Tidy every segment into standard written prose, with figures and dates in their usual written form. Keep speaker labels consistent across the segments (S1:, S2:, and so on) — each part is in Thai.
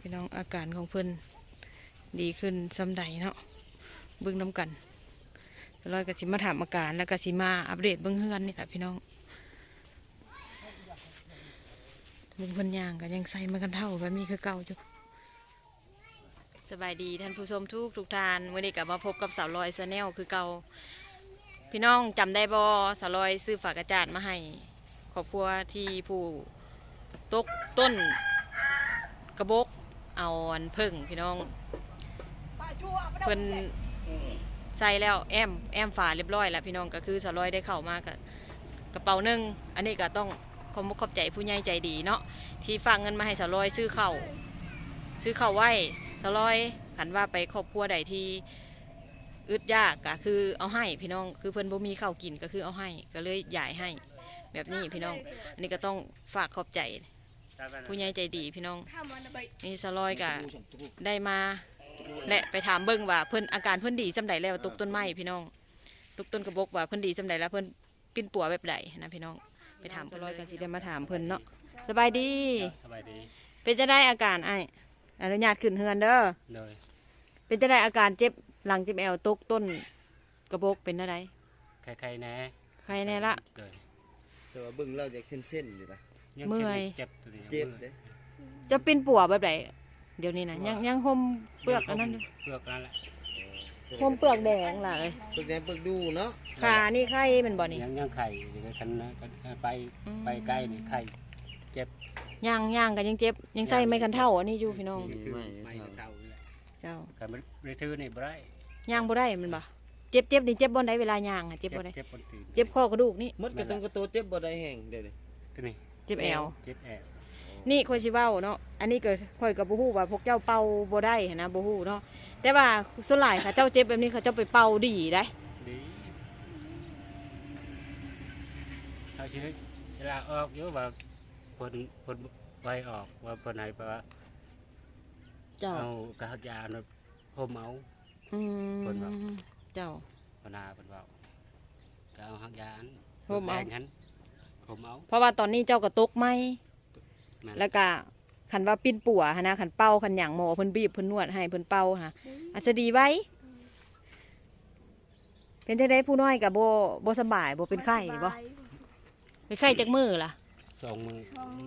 S1: พี่น้องอาการของเพิ่นดีขึ้นซ้ำใดเนาะเบิ่งน้ำกันลอยก็สิมาถามอาการแล้วก็สิมาอัปเดตเบิ่งเฮือนนี่แหละพี่น้องลุงเพิ่นย่างก็ยังใส่มากันเท่าแบบนี้คือเก่าอยู่สบายดีท่านผู้ชมทุกท่านวันนี้กลับมาพบกับสาวลอยชาแนลคือเก่าพี่น้องจำได้บ่สาวลอยซื้อฝากระจาดมาให้ครอบครัวที่ผู้ตกต้นกระบอกเอาอันเพิ่งพี่น้องเพิ่นใส่แล้วแอมฝาเรียบร้อยแล้วพี่น้องก็คือสาวลอยได้เข้ามากับกระเป๋าหนึ่งอันนี้ก็ต้องขอบคุณขอบใจผู้ใหญ่ใจดีเนาะที่ฝากเงินมาให้สาวลอยซื้อข้าวไว้สาวลอยขันว่าไปครอบครัวใดที่อึดยากก็คือเอาให้พี่น้องคือเพิ่นบ่มีข้าวกินก็คือเอาให้ก็เลยย้ายให้แบบนี้พี่น้องอันนี้ก็ต้องฝากขอบใจผู้ใหญ่ใจดีพี่น้องนี่สาวลอยก็ได้มาและไปถามเบิ้งว่าเพิ่นอาการเพิ่นดีจำใดแล้วตกต้นไม้พี่น้องตกต้นกระบอกว่าเพิ่นดีจำใดแล้วเพิ่นปิ้นปัวแบบใดนะพี่น้องไปถามเพิ่นลอยกันสิได้มาถามเพิ่นเนาะสบายดีเป็นจะได้อาการไอ้อนุญาตขึ้นเฮือนเด้อเป็นจะได้อาการเจ็บหลังเจ็บแอวตกต้นกระบอกเป็นอะไร
S2: ใครแน่
S1: ใครแน่ละ
S3: แต่ว่าเบิ่งเราจากเส้นอยู่นะ
S1: เมื่อย
S3: เจ็บเด้
S1: จะปิ้นปัวแบบใดเดี๋ยวนี้นะยังห่มเปลือกอันนั้น
S2: เปลือกนั่นแหละ
S1: ห่มเปลือกแดงล่ะเลย
S3: เปลือกแดงเปลือกดูเนาะ
S1: ขานี่ไข้เป็นบ่นี่
S2: ยังไข่เดี๋ยวฉันนะไปใกล้นี่ไข่เจ็บ
S1: ย่างกันยังเจ็บยังใส่ไม่คันเท่าอันนี้อยู่พี่น้อง
S2: ไม่คันเท่า
S1: เจ้า
S2: แต่มันในทื่อนี่บ่ได้
S1: ย่างบ่ได้มันบ่เจ็บนี่เจ็บบ่ได้เวลาย่างอ่ะเจ็บบ่ได้เจ็บข้อกระดูกนี่
S3: มดกระตุ้งกระโตเจ็บบ่ได้แห้งเดี๋ยว
S2: นี้
S1: เจ็บแอว
S2: นี่
S1: ค่อยสิเว้าเนาะอันนี้ก็ค่อยก็บ่ฮู้ว่าพวกเจ้าเป่าบ่ได้นะบ่ฮู้เนาะแต่ว่าส่วนหลายค่ะเจ้าเจ็บแบบนี้เขาเจ้าไปเป่าดีได้
S2: เขาชื่อฉลาออกเยอะว่าผลใบออกว่าผลไหนว่าเอากระหักยาเนาะห่มเอาผลว่า
S1: เจ้า
S2: ผลนาผลว่าเอาหักยา
S1: ห่มเอา
S2: ห่มเอา
S1: เพราะว่าตอนนี้เจ้าก็ตกไหมแล้วก็ขันว่าปิ้นปัวฮะนะขันเป่าขันหยางหมอเพิ่นบีบเพิ่นนวดให้เพิ่นเป่าฮะอาจจะดีไว้เป็นที่ได้ผู้น้อยกับโบสบายโบเป็นไข้บ่เป็นไข้จากมือล่ะ
S2: 2 มือ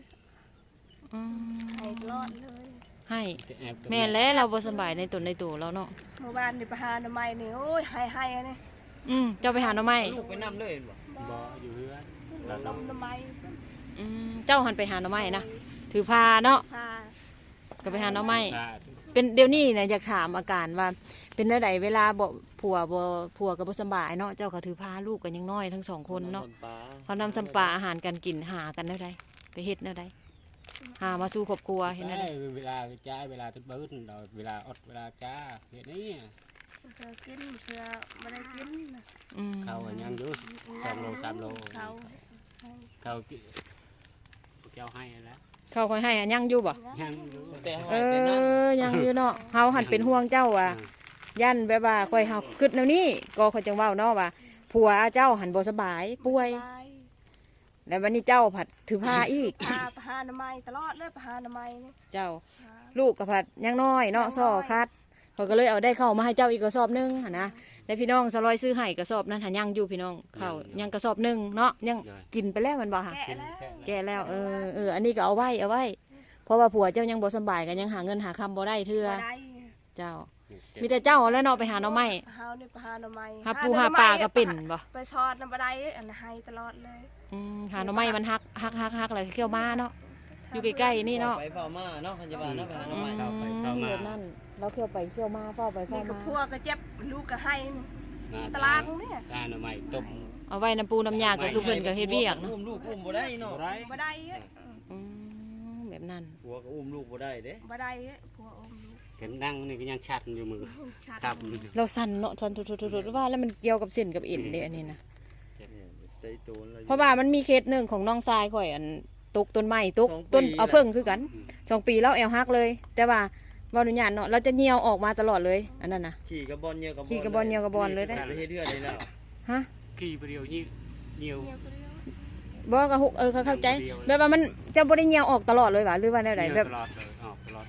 S4: ให้รอดเลย
S1: ให้แม่แล้วเราโบสบายในตัวแล้วเนาะ
S4: เมื่อวานนี่ไปหาหน่อไม้นี่โอ้ยให้อันนี้
S1: เจ้าไปหาหน่อไม้
S3: ลูกไปนำเลย
S2: บ่อยู่เฮือน
S4: เราหน่อไม้
S1: เจ้าหันไปหาหน่อไม้นะถือพาเนาะก็ไปหาหน่อไม้เป็นเดี๋ยวนี้เนี่ยอยากถามอาการว่าเป็นอะไรเวลาผัวกับบ่สบายเนาะเจ้าก็ถือพาลูกกันยังน้อยทั้ง2 คนเนาะเขานำสัมปาอาหารกันกินหากันได้ไปเฮ็ดได้หามาสู่ครอบครัวเห็นได้
S2: เวลาจ้าเวลาทุบบื้นเราเวลาอดเวลาจ้าเฮ็ดนี่
S4: เธอกินเธอไม่ได้กิน
S2: เขายังอยู่2 โล 3 โลเขาเกี่ยวให้แล้ว
S1: เขาคอยให้ยังอยู่บ่
S2: ยังอยู่
S1: ยังอยู่เนาะเฮาหันเป็นห่วงเจ้าว่ะยันแบบว่าคอยเฮาคิดแนวนี้ก็คอยจังเว้าเนาะว่าผัวเจ้าหันบ่สบายป่วยแล้ววันนี้เจ้าผัดถือผ้าอีก
S4: พาหน่อไม้ตลอดเลยพาหน่อไม้นี่
S1: เจ้าลูกกับผัดยังน้อยเนาะซ้อคัดเขาก็เลยเอาได้เข้ามาให้เจ้าอีกกระสอบนึงหั่นนะแล้วพี่น้องสลอยซื้อให้กระสอบนั้นหันยังอยู่พี่น้องเข้ายังกระสอบนึงเนาะยังกินไปแล้วมันบ่ค่ะแก่แล้วอันนี้ก็เอาไว้เพราะว่าผัวเจ้ายังบ่สบายกันยังหาเงินหาคำบ่ได้เทื่อเจ้ามีแต่เจ้าแล้วเนาะไปหาหน่อไม้
S4: เฮานี่ไปหาหน่อไม้
S1: หาปูหาปลาก็เป็นบ่
S4: ไปชอดน้ำบ่ได้อันให้ตลอดเลย
S1: หาหน่อไม้มันฮักอะไรเขี้ยวมาเนาะอยู่ใกล้ๆนี่เนาะ
S3: ไปเฝ้ามาเนาะคันจะว่าเนาะไปหาหน่อไม้
S1: นั่นเราเขี้ยวไปเขี้ยวมาเฝ้าไปเฝ้ามา
S4: นี่ก็พัวก็เจ็บลูกก็ให้ตลาดนี่
S2: หน่อไม้ต้ม
S1: เอาไว้น้ำปูน้ำยาก็คือเพิ่นก็เฮ็ดเวียกเนาะ
S3: อุ้มลูกอุ้มบ่ได้เนาะ
S4: บ่ได้
S1: แบบนั้น
S3: ผัวก็อุ้มลูกบ่ได้เด้
S4: บ่ได้ผัวอุ้มลูก
S2: เห็นนั่งนี่ก็ยังชัดอยู่มือ
S4: ครับ
S1: เราสั่นเนาะสั่นทุๆๆว่าแล้วมันเกี่ยวกับเส้นกับเอ็นเด้อันนี้นะเพราะว่ามันมีเคสหนึ่งของน้องทรายข่อยอันตกต้นไม้ตกต้นเอาเพิ่งคือกัน2 ปีแล้วแอวฮักเลยแต่ว่าบ่อนุญาตเนาะเราจะเหี่ยวออกมาตลอดเลยอันนั้นน่ะ
S3: ขี่กระบอนเหี่ยวกระบอน
S1: ขี่กระบอนเหี่ยวกระบอนเลยได้
S3: ไปเฮ็ดเทื่อได้แล้ว
S1: ฮะ
S2: ขี่เดียวเหี่ยว
S1: บ่ก็เข้าใจแบบว่ามันจะบ่ได้เหี่ยวออกตลอดเลยว่ะหรือว่าแนวใดแบบ
S2: ตลอดเลย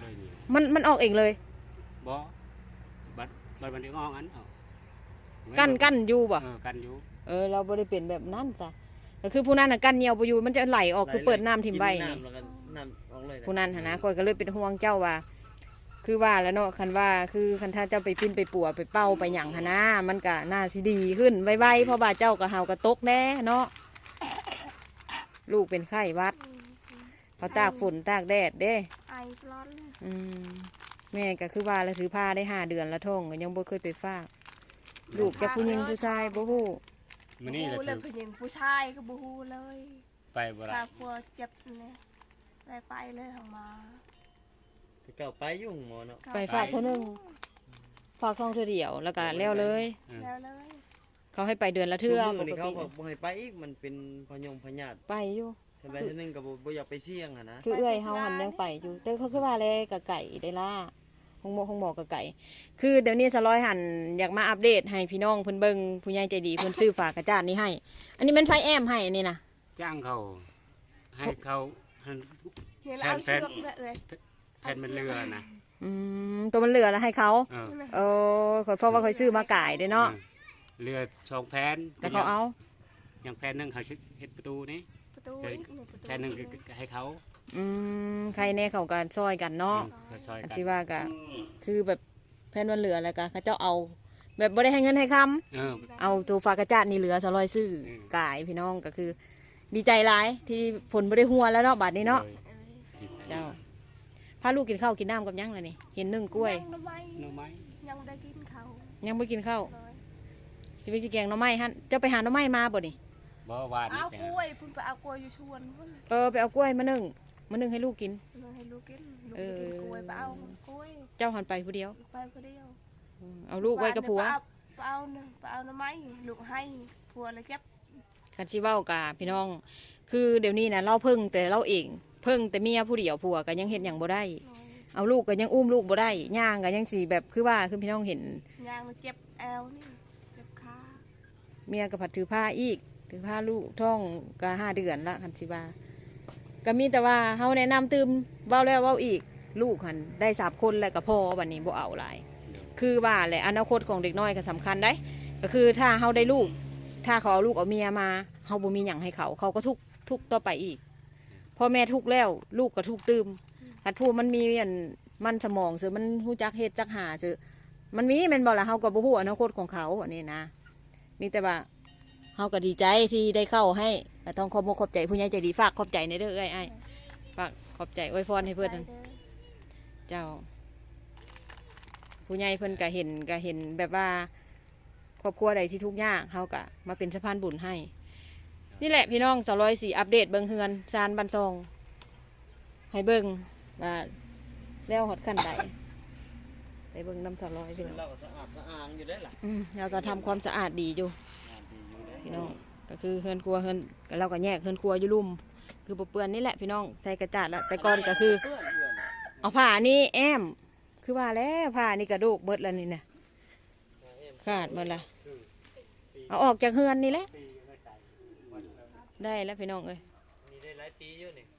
S1: มันออกเองเลย
S2: บ่บัดมันได้งอกอันเอา
S1: กั้นอยู่บ่
S2: กันอยู่
S1: เราบ่ได้เป็นแบบนั้นจ้ะก็คือผู้นั้นน่ะกั้นเหนียวบ่อยู่มันจะไหลออกคือเปิดน้ำทิ่มใบ
S3: กิน
S1: นี่
S3: น้ำแล้วก็น้ำออกเลยะ
S1: ผู้นั้นหั่นนะข้อยก็เลยเป็นห่วงเจ้าว่า คือว่าแล้วเนาะคันว่าคือคันถ้าเจ้าไปปิ้นไปปัวไปเป้าไปหยังหั่นนะมันก็น่าสิดีขึ้นไวๆเพราะว่าเจ้าก็เฮาก็ตกแน่เนาะลูกเป็นไข้หวัดเขาตากฝนตากแดดเด้
S4: ไอปลอดเลย
S1: อืมแม่ก็คือว่าแล้วถือผ้าได้5 เดือนละท้องก็ยังบ่เคยไปฝากลูกจะผู้หญิงผู้ชายบ่ฮู้
S2: มื้อนี้แหละ
S4: บูเลยผู้หญิงผู้ชายก็บูฮูเลย
S2: ไปบ่ได้
S4: ถ้าพัวเจ็บเนี่ยไปเลยทางมา
S3: แต่เก่าไปยุ่งหมอเนาะ
S1: ไปฝากเท่านึงฝากท้องเท่าเดียวแล้วก็แล้วเลย
S4: แล้วเลย
S1: เขาให้ไปเดือนละเทื่อ
S3: มื้
S1: ป
S3: นี่
S1: ก
S3: เขา
S1: ติ
S3: ก็บ่ให้ไปอีกมันเป็นพยาธิ
S1: ไปอยู่
S3: ทำไมทีนึงก็บ่อยากไปเสี่ยงอ่ะนะ
S1: คือเอื้อยเฮาหันยังไปอยู่แต่เขาคือว่าเลยกับไก่ได้ล่าห้องหมอกับไก่ คือเดี๋ยวนี้สะร้อยหันอยากมาอัปเดตให้พี่น้องเพิ่นเบิ่งผู้ใหญ่ใจดีเพิ่นซื้อฝากกระจาดนี้ให้ อันนี้มันไฟแอมให้อันนี้นะ
S2: จ้างเขาให้เขาให้
S4: เนี่ยเราเอาเชือกเลยเอ้ย
S2: แผ่นมันเรือนะ
S1: ตัวมันเหลือแล้วให้เขา
S2: เออ
S1: เออขอยเพราะว่าเขาซื้อมาก่ายเด้เนาะ
S2: เรือสองแผ่น
S1: แต่เขาเอา
S2: อย่างแผ่นหนึงเขาเฮ็ดประตูนี่
S4: ประตูอีกหนึ่งประตู
S2: แผ่นหนึงก็ให้เขา
S1: ใครแน่เขากันซอยกันเนาะ
S2: เขาซอย
S1: อัน
S2: กัน
S1: ที่ว่าก็คือแบบแผ่นมันเหลือแล้วก็เขาเจ้าเอา แบบบ่ได้ให้เงินให้คำ
S2: เออ
S1: เอาตัวฝากกระจาดนี่เหลือสะร้อยซื้อ
S2: อืม
S1: กายพี่น้องก็คือ ดีใจหลายที่ฝนบ่ได้หัวแล้วเนาะบัดนี้เนาะ
S2: เลย
S1: เจ้าพาลูกกินข้าวกินน้ำกับหยังล่ะนี่เห็นนึ่งกล้วย
S4: ยังทำไม
S2: หน่อไม้
S4: ยังได้กินเขา
S1: ยังไม่กินข้าว
S4: เลย
S1: สิไปสิแกงหน่อไม้ฮะเจ้าไปหาหน่อไม้มาบ่นี่
S2: บ่หวาน
S4: เอา
S2: แต่
S4: กล้วยพุ่นไปเอากล้วยอยู่ชวนพุ่น
S1: ไปเอากล้วยมานึ่งให้ลูกกิน
S4: เลยให้ลูกกินลูกไปกินกล้วยไปเอากล้วย
S1: เจ้าหันไปผู้เดียว
S4: ไปคนเดียว
S1: เอาลูกไว้กับผัว
S4: ไปเอาหน่อไม้ลูกให้ผัวเลยเก็บ
S1: คันสิเว้ากะพี่น้อง คือเดี๋ยวนี้นะเราเพิ่งแต่เราเองเพิ่งแต่เมียผู้เดียวผัวก็ยังเห็นอย่างบ่ได้ เอาลูกก็ยังอุ้มลูกบ่ได้ย่างก็ยังสีแบบคือว่าคือพี่น้องเห็น
S4: ยางมันเจ็บแอวนี่เจ็บขา
S1: เมียก็ผัดถือผ้าอีกถือผ้าลูกท้องก็5 เดือนละคันสิว่าก็มีแต่ว่าเฮาแนะนำตื่มเว้าแล้วเว้าอีก ลูกหันได้3 คนแล้วก็พอบัดนี้บ่เอาหลาย คือว่าแหละอนาคตของเด็กน้อยก็สำคัญได้ ก็คือถ้าเฮาได้ลูก ถ้าเขาเอาลูกเอาเมียมาเฮาบ่มีหยังให้เขาก็ทุกข์ต่อไปอีกพ่อแม่ทุกข์แล้วลูกก็ทุกข์ตื่มคันผู้มันมีอันมันสมองซื่อมันฮู้จักเฮ็ดจักหาซื่อมันมีแม่นบ่ล่ะเฮาก็บ่ฮู้อนาคตของเขาอันนี้นะมีแต่ว่าเฮาก็ดีใจที่ได้เข้าให้ก็ต้องขอบคุณขอบใจผู้ใหญ่ใจดีฝากขอบใจในเด้อเอ้ยฝากขอบใจอวยพรให้เพิ่นนั่น เจ้า ผู้ใหญ่เพิ่นก็เห็นแบบว่าครอบครัวใดที่ทุกข์ยากเขาก็มาเป็นสะพานบุญให้ นี่แหละพี่น้อง204อัปเดตเบิงเฮือนซานบันซอง ให้เบิงว่าแล้วฮอดขั้นใดไปเบิงน้ำ200พี่น้อง
S3: เราก็สะอาดสะอางอยู่ได้ล่ะ
S1: เราก็ทำความสะอาดดีอยู่
S3: ดีอยู่ได้
S1: พี่น้องก็คือเฮือนครัวเฮือนเราก็แยกเฮือนครัวอยู่ลุ่มคือบ่เปื้อนนี่แหละพี่น้องใส่กระจาดแล้วแต่ก่อนก็คือ
S3: เพื่อนเพื่อนน่ะ
S1: เอาผ้านี่แอม คือว่าแล้วผ้านี่กระดูกเบิดแล้วนี่นะขาดหมดละเอาออกจากเฮือนนี่แหละได้แล้วพี่น้องเอ้ย
S3: มีได้หลายปีอยู่นี่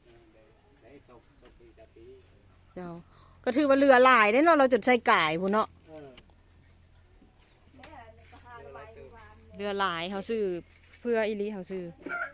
S1: เจ้าก็ถือว่าเรือหลายได้เนาะเราจนใส่ก่ายพุ่นเนาะเรือหลายเขาซื้อเพื่ออีหลีเขาซื้อ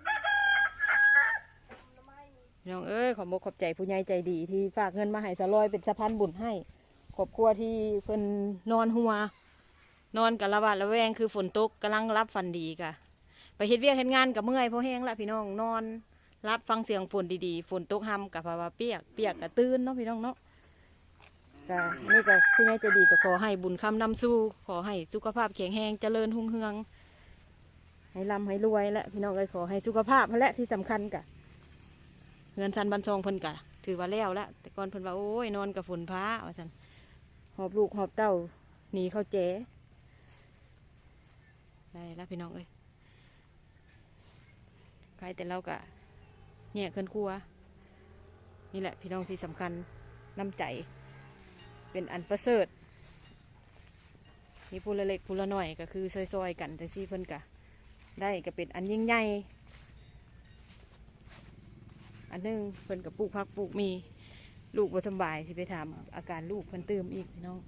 S1: พี่น้องเอ้ยขอบอกขอบใจผู้ใหญ่ใจดีที่ฝากเงินมาให้สะลอยเป็นสะพานบุญให้ครอบครัวที่เพิ่นนอนหัวนอนกับระบาดระแวงคือฝนตกกำลังรับฟันดีกะไปเฮ็ดเวียกเฮ็ดงานกับเมื่อยเพราะแห้งละพี่น้องนอนรับฟังเสียงฝนดีๆฝนตกห้ำกับภาวะเปียกกับตื่นเนาะพี่น้องเนาะก็นี่ก็ผู้ใหญ่ใจดีก็ขอให้บุญคำนำสู้ขอให้สุขภาพแข็งแรงเจริญหุ่งเฮืองให้ร่ำให้รวยและพี่น้องเอ้ยขอให้สุขภาพนั่นแหละที่สำคัญกะเงินซันบันซองเพิ่นกะถือว่าแล้วละแต่ก่อนเพิ่นว่าโอ้ยนอนกับฝนพ้าว่าซั่นหอบลูกหอบเต้าหนีเข้าแจ๋ได้แล้วพี่น้องเอ้ยใครแต่เรากะเนี่ยเคลื่อนครัวนี่แหละพี่น้องที่สำคัญน้ำใจเป็นอันประเสริฐนี่ผู้ละเล็กผู้ละน้อยก็คือซอยๆกันจังซี่เพิ่นกะได้ก็เป็นอันยิ่งใหญ่อันหนึงเพิ่นกับปลูกผักปลูกมีลูกบ่สำบายสิไปถามอาการลูกเพิ่นเติมอีกพี่น้อง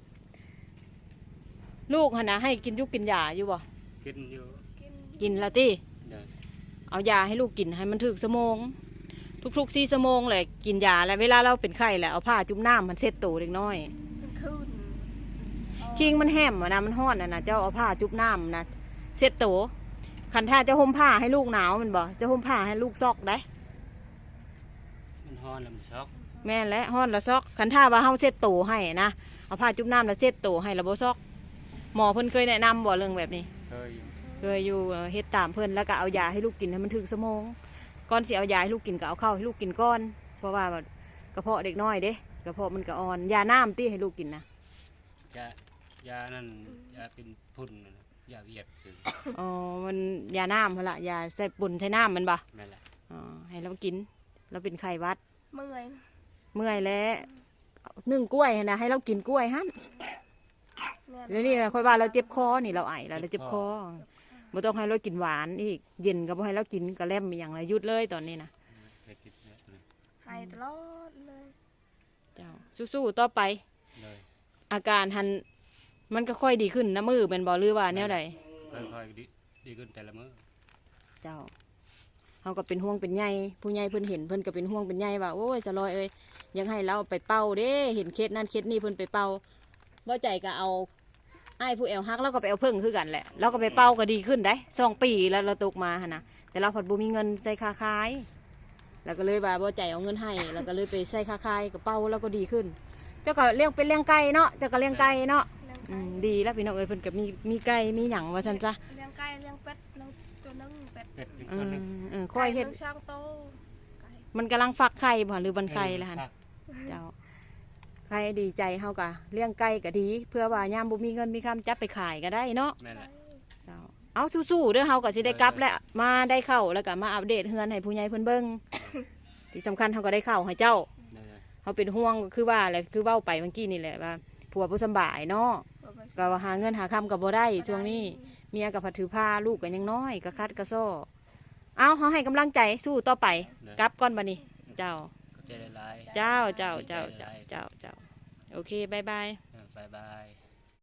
S1: ลูกหั่นน่ะให้กินยุกกินยาอยู่บ่
S2: กินอยู่
S1: กินแล้วติ
S2: เดิน
S1: เอายาให้ลูกกินให้มันถึกชั่วโมงทุกๆ4ชั่วโมงเลยกินยาแล้วเวลาเราเป็นไข้แล้วเอาผ้าจุ่มน้ำมันเช็ดตัวเด็กน้อย
S4: เป็นคืน
S1: คิงมันแห้มอะนะมันห้อนอะนะเจ้าเอาผ้าจุ่มน้ำนะเช็ดตัวคันท่าจะห่มผ้าให้ลูกหนาวมันบ่จะห่มผ้าให้ลูกซอกได้
S2: มันฮ้อนแล้วมันช็อก
S1: แม่นและห้อนละซอกคันท่าว่าเฮาเช็ดตัวให้นะเอาผ้าจุ่มน้ำแล้วเช็ดตัวให้ละบ่ซอกหมอเพิ่นเคยแนะนำบ่เรื่องแบบนี้
S2: เคยอยู่
S1: เคยอยู่เฮ็ดตามเพิ่นแล้วก็เอายาให้ลูกกินให้มันถึกชั่วโมงก่อนสิเอายาให้ลูกกินก็เอาข้าวให้ลูกกินก่อนเพราะว่ากระเพาะเด็กน้อยเด้กระเพาะมันก็อ่อนยาน้ำติให้ลูกกินนะ
S2: ยานั่นยาเป็นพุ่นน่ะนะยาเวียดคือ
S1: อ๋อมันยาน้ำหั่นล่ะยาใส่ปุ่นใส่น้ำมันบ่
S2: นั่นแหละ
S1: อ๋อให้เรากินเราเป็นไข้หวัด
S4: เมื่อย
S1: เมื่อยแล้วนึ่งกล้วยหั่นนะให้เรากินกล้วยหั่น
S4: แม่
S1: แล้วนี่ค่อยว่าเราเจ็บคอนี่เราไอแล้วเราเจ็บคอบ่ต้องให้เรากินหวานอีกเย็นก็บ่ให้เรากินกระแลมอหย่างไรหยุดเลยตอนนี้นะ
S2: เคยกินเนี่ยเลย
S4: ให้ตลอดเลย
S1: เจ้าสู้ๆต่อไป
S2: เลย
S1: อาการหันมันก็ค่อยดีขึ้นนะมือเป็นบ่หรือว่าแนวใด
S2: ค่อยๆดีขึ้นแต่ละมื้อ
S1: เจ้าเฮาก็เป็นห่วงเป็นใยผู้ใหญ่เพิ่นเห็นเพิ่นก็เป็นห่วงเป็นใยว่าโอ้ยจะลอยเอ้ยยังให้เราไปเป่าเด้เห็นเคสนั้นเคสนี้เพิ่นไปเป่าบ่ใจก็เอาไอ้ายผู้แอวฮักแล้วก็ไปเอาเพิ่งคือกันแหละแล้วก็ไปเป่าก็ดีขึ้นได้2 ปีแล้วเราตกมาหั่นนะแต่เราผัดบ่มีเงินใส่ค่าขายแล้วก็เลยว่าบ่ใจเอาเงินให้แล้วก็เลยไปใส่ค่าขายก็เป่าแล้วก็ดีขึ้น เจ้าก็เลี้ยงเป็นเลี้ยงไก่เนาะเจ้าก็เลี้ยงไก่เนาะ
S4: เลี้ยง
S1: อื
S4: ไก่
S1: มดีแล้วพี่น้องเอ้ยเพิ่นก็มีไก่มีหยังว่าซั่นจ้ะ
S4: เลี้ยงไก่เลี้ยงเป็ดเลี้ยงตัวนึงเป็ด
S2: เป็ดอีก
S1: อื
S2: คน
S1: ม
S2: หนึง
S1: ค่อยเฮ็ด
S4: ไก่ลี้งช่างโตไก่
S1: มันกำลังฟักไข่บ่หรือบันไข่แล้วหั่น
S2: ครับ
S1: เจ้าไข่ดีใจเฮาก็เลี้ยงไก่ก็ดี เพื่อว่ายามบ่มีเงินมีคำจับไปขายก็ได้เนาะ
S2: นั่นแห
S4: ไก่
S2: ละ
S1: เจ้าเอาสู้ๆเด้อเฮาก็สิได้กลับแล้วมาได้เข้าแล้วก็มาอัปเดตเฮือนให้ผู้ใหญ่เพิ่นเบิ่งที่สำคัญเฮาก็ได้เข้าให้เจ้า
S2: นั่นแหละ
S1: เฮาเป็นห่วงคือว่าแหละคือเว้าไปเมื่อกี้นี่แหละว่าผัวบ่สำบายเนาะ
S4: บ่ไป
S1: ก็ว่าหาเงินหาคำก็บ่ได้ช่วงนี้เมียก็ผัดถือผ้าลูกก็ยังน้อยก็คัดก็ซ้อเอาเฮาให้กำลังใจสู้ต่อไปกลับก่อนบัดนี้เจ้า
S2: ก็ใจละลาย
S1: เจ้าโอเคบายบาย
S2: บายบาย